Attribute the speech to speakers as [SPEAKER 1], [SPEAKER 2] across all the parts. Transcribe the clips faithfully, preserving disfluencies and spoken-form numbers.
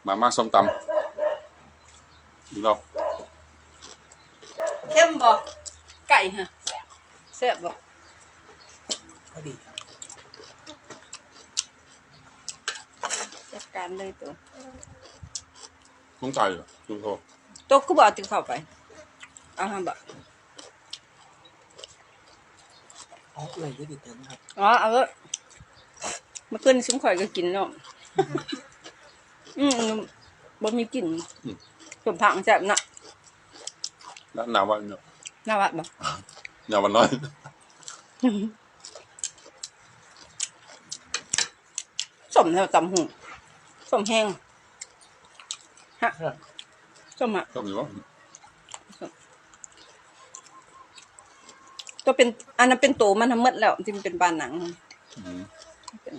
[SPEAKER 1] มาม่าส้มตำดูเรา
[SPEAKER 2] เข้มบ่ไก่ฮะแซ่บบ่
[SPEAKER 3] พอดีครับ
[SPEAKER 2] จัดการเลยตัว
[SPEAKER 1] ลุงไก่เหรอลุงโท
[SPEAKER 2] ตัวก็บ่เอาติเข้าไปเอาฮะบ่
[SPEAKER 3] อ๋อเลยก็ติดเติมครับ
[SPEAKER 2] อ๋อเอาเถอะเมื่อคืนซุ้มข่อยก็กินเนาะอืมบ่มีกลิ่นสมผักแซ่บนะ
[SPEAKER 1] แล้วนาวันเนาะ
[SPEAKER 2] น่าวัดบ่
[SPEAKER 1] นาวันน้อย
[SPEAKER 2] สมแล้วตำหูสมแห้งฮะสมอ่ะ
[SPEAKER 1] ชอบอยู่วะ
[SPEAKER 2] ตัวเป็นอันนั้นเป็นโตมันทั้งหมดแล้วที่มันเป็นบานหนังเป็น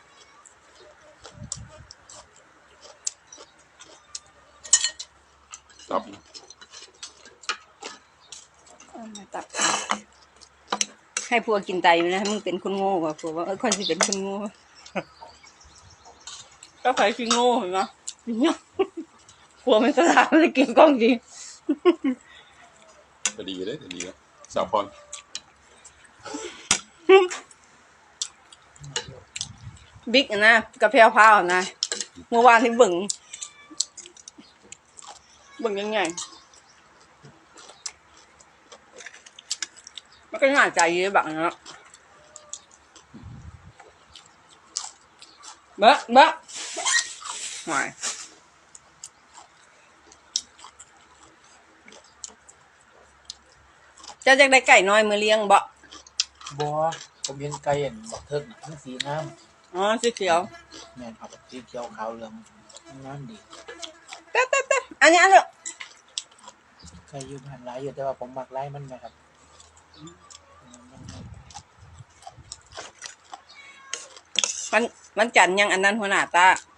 [SPEAKER 1] ตับ
[SPEAKER 2] ตับให้ผัวกินไตนะ มึงเป็นคนโง่กว่าผัวว่าเออคนที่เป็นคนโง่ก็ใครคือโง่เห็นไหมผัวไม่สลาดเลยกินกล้องจริง
[SPEAKER 1] จะดีเลยจะดีเลยสาวพร
[SPEAKER 2] บิ๊กนะกระเพราพาวนะเมื่อวานที่บึ่งบึ่งยังไงมันก็น่าใจเยอะแบบนั้นเบ้อเบ้อหายจะจะได้ไก่น้อยมือเลี้ยงบ่
[SPEAKER 3] บัวผมเห็นไก่เห็นบอกเทิงทั้งสีน้
[SPEAKER 2] ำอ๋อสีเขียว
[SPEAKER 3] แม่นครับสีเขียวขาวเหลืองน้ำดี
[SPEAKER 2] เต๊ะเต๊ะเต๊ะอันนี้อันนี้
[SPEAKER 3] ไก่ยืนหันหลายอยู่แต่ว่าผมมักไล่มันไหมครับ
[SPEAKER 2] มันมันจันยังอันนั้นหัวหน้าตา